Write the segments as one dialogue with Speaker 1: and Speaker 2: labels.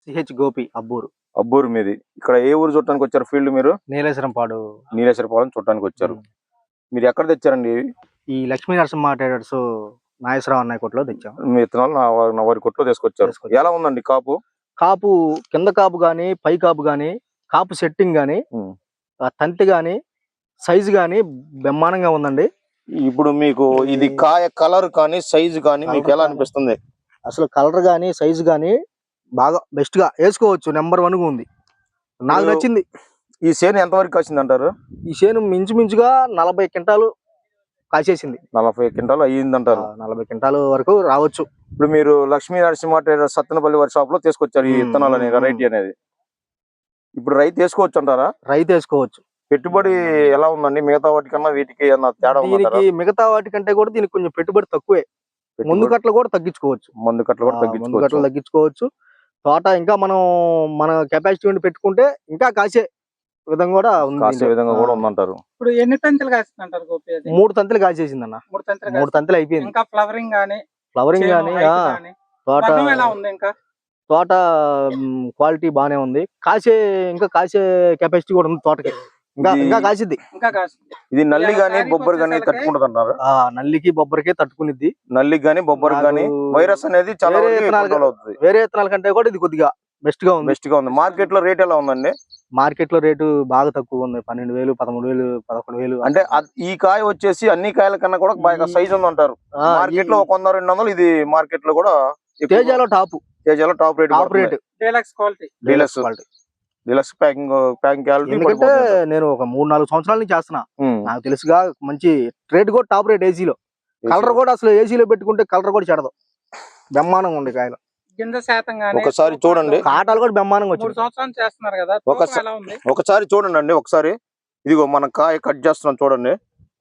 Speaker 1: CH Gopi Abburu.
Speaker 2: Abburu మీది. ఇక్కడ ఏ ఊరు చూడటానికి వచ్చారు ఫీల్డ్ మీరు?
Speaker 1: నీలేశ్వరంపాడు.
Speaker 2: నీలేశ్వరపాలెం చూడటానికి వచ్చారు. మీరు ఎక్కడ తెచ్చారండి?
Speaker 1: ఈ లక్ష్మీ నరసింహ ట్రేడర్స్ నాగేశ్వరరావు అన్నయ్య కొట్లో తెచ్చాం.
Speaker 2: మీ విత్తనాలు నా వారి కొట్లో తీసుకొచ్చారు. ఎలా ఉందండి కాపు?
Speaker 1: కాపు కింద కాపు గాని, పై కాపు గాని, కాపు సెట్టింగ్ గాని, తంతి గాని, సైజు గాని బ్రహ్మాండంగా ఉందండి.
Speaker 2: ఇప్పుడు మీకు ఇది కాయ కలర్ కానీ సైజు కానీ మీకు ఎలా అనిపిస్తుంది?
Speaker 1: అసలు కలర్ గాని సైజు గాని బాగా బెస్ట్ గా వేసుకోవచ్చు. నెంబర్ 1 గా ఉంది. నాకు నచ్చింది.
Speaker 2: ఈ చేను ఎంత వరకు కాసింది అంటారు?
Speaker 1: ఈ చేను మించుమించుగా 40 క్వింటాలు కాసేసింది.
Speaker 2: 40 క్వింటాలు అయ్యింది అంటారు.
Speaker 1: 40 క్వింటాలు వరకు రావచ్చు.
Speaker 2: ఇప్పుడు మీరు లక్ష్మీ నరసింహ ట్రేడర్స్ సత్తెనపల్లి వారి షాప్ లో తీసుకొచ్చారు ఈ విత్తనాలు అనే వెరైటీ అనేది. ఇప్పుడు రైతు వేసుకోవచ్చు అంటారా?
Speaker 1: రైతు వేసుకోవచ్చు.
Speaker 2: పెట్టుబడి ఎలా ఉందండి? మిగతా వాటికన్నా వీటికి ఏమన్నా తేడా ఉందా?
Speaker 1: దీనికి మిగతా వాటికంటే కూడా దీనికి కొంచెం పెట్టుబడి తక్కువే. ముందు కట్టలు కూడా తగ్గించుకోవచ్చు.
Speaker 2: మందు కట్టలు కూడా
Speaker 1: తగ్గించుకోవచ్చు. తోట ఇంకా మనం మన కెపాసిటీ ఉండి పెట్టుకుంటే ఇంకా కాసే విధంగా కూడా
Speaker 2: ఉందంటారు.
Speaker 3: ఇప్పుడు ఎన్ని తంతులు కాసిందంటారు గోపి?
Speaker 1: 3 తంతులు కాసేసింది అన్న.
Speaker 3: 3
Speaker 1: తంతులు అయిపోయింది.
Speaker 3: ఇంకా ఫ్లవరింగ్ గానీ
Speaker 1: తోట
Speaker 3: ఎలా ఉంది? ఇంకా
Speaker 1: తోట క్వాలిటీ బానే ఉంది. ఇంకా కాసే కెపాసిటీ కూడా ఉంది తోటకి. ఇంకా కాసిద్ది.
Speaker 2: ఇది నల్లి గానీ బొబ్బర్ గానీ తట్టుకుంటది అంటారు.
Speaker 1: నల్లికి బొబ్బరికి తట్టుకునిద్ది.
Speaker 2: నల్లికి గానీ బొబ్బర్ గానీ వైరస్ అనేది చాలా
Speaker 1: వేరే విత్తనాల కంటే కూడా ఇది కొద్దిగా బెస్ట్ గా ఉంది.
Speaker 2: మార్కెట్ లో రేట్ ఎలా ఉందండి?
Speaker 1: మార్కెట్ లో రేటు బాగా తక్కువ ఉంది. 12,000, 13,000, 11,000.
Speaker 2: అంటే ఈ కాయ వచ్చేసి అన్ని కాయల కన్నా కూడా బాగా సైజ్ ఉంది అంటారు. మార్కెట్ లో 100-200. ఇది మార్కెట్ లో కూడా
Speaker 1: తేజాలో top rate.
Speaker 2: Deluxe packing quality.
Speaker 1: ఎందుకంటే నేను ఒక 3-4 సంవత్సరాల నుంచి చేస్తున్నా. నాకు తెలుసుగా మంచి రేట్ కూడా టాప్ రేట్. ఏసీలో కలర్ కూడా అసలు ఏసీలో పెట్టుకుంటే కలర్ కూడా చెడదు. బ్రహ్మాండంగా ఉంది కాయలు.
Speaker 3: గింజ శాతం గానీ
Speaker 2: ఒకసారి చూడండి.
Speaker 1: కాటాలు కూడా బ్రహ్మాండంగా వచ్చాయి.
Speaker 3: 3 సంవత్సరాలు చేస్తున్నారు కదా.
Speaker 2: ఒకసారి చూడండి అండి. ఒకసారి ఇదిగో మన కాయ కట్ చేస్తున్నాం చూడండి.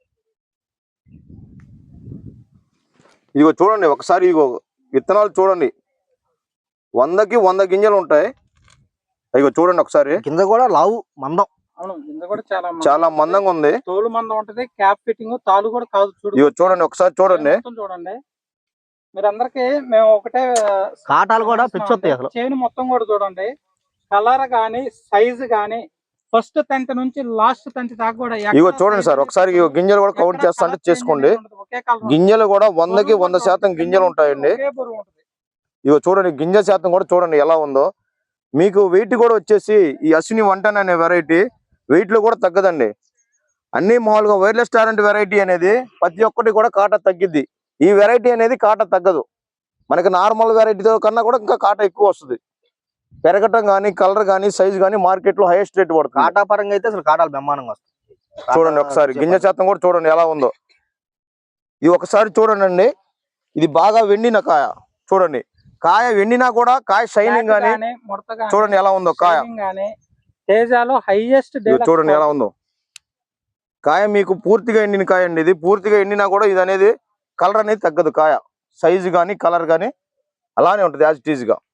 Speaker 2: ఇదిగో చూడండి ఒకసారి. ఇదిగో విత్తనాలు చూడండి. 100కి 100 గింజలు ఉంటాయి. ఇదిగో చూడండి ఒకసారి.
Speaker 1: కింద కూడా లావు మందం.
Speaker 3: గింజ కూడా
Speaker 2: చాలా మందంగా ఉంది.
Speaker 3: తోలు మందం ఉంటది. క్యాప్ ఫిట్టింగ్ తాలు కూడా కాదు.
Speaker 2: ఇదిగో చూడండి ఒకసారి చూడండి.
Speaker 3: మీరందరికి మేము ఒకటే
Speaker 1: కాటాలు కూడా పిచ్చొస్తాయి. అసలు
Speaker 3: చేను మొత్తం కూడా చూడండి. కలర్ గానీ సైజు గానీ ఫస్ట్ తంతి నుంచి లాస్ట్ తంతి దాకా కూడా.
Speaker 2: ఇగో చూడండి సార్ ఒకసారి. గింజలు కూడా కౌంట్ చేస్తా అంటే చేసుకోండి. గింజలు కూడా 100కి 100% గింజలు ఉంటాయండి. ఇగో చూడండి గింజ శాతం కూడా చూడండి ఎలా ఉందో. మీకు వెయిట్ కూడా వచ్చేసి ఈ అశ్విని 110 అనే వెరైటీ వెయిట్ లో కూడా తగ్గదండి. అన్ని మామూలుగా వైర్లెస్ టారెంట్ వెరైటీ అనేది ప్రతి ఒక్కటి కూడా కాటా తగ్గిద్ది. ఈ వెరైటీ అనేది కాటా తగ్గదు. మనకి నార్మల్ వెరైటీతో కన్నా కూడా ఇంకా కాటా ఎక్కువ వస్తుంది. పెరగటం కానీ కలర్ కానీ సైజ్ కానీ మార్కెట్ లో హైయెస్ట్ రేట్ పడుతుంది.
Speaker 1: కాటా పరంగా అయితే అసలు కాటాలు బ్రహ్మాండంగా వస్తాయి.
Speaker 2: చూడండి ఒకసారి గింజ శాతం కూడా చూడండి ఎలా ఉందో. ఇది ఒకసారి చూడండి అండి. ఇది బాగా వెండిన కాయ. చూడండి కాయ వెండినా కూడా కాయ షైనింగ్ గానీ చూడండి ఎలా ఉందో కాయ.
Speaker 3: తేజాలో హైయెస్ట్.
Speaker 2: చూడండి ఎలా ఉందో కాయ. మీకు పూర్తిగా ఎండిన కాయ అండి. ఇది పూర్తిగా ఎండినా కూడా ఇది అనేది కలర్ అనేది తగ్గదు. కాయ సైజు కానీ కలర్ కానీ అలానే ఉంటుంది యాజ్ ఇట్ ఈజ్ గా.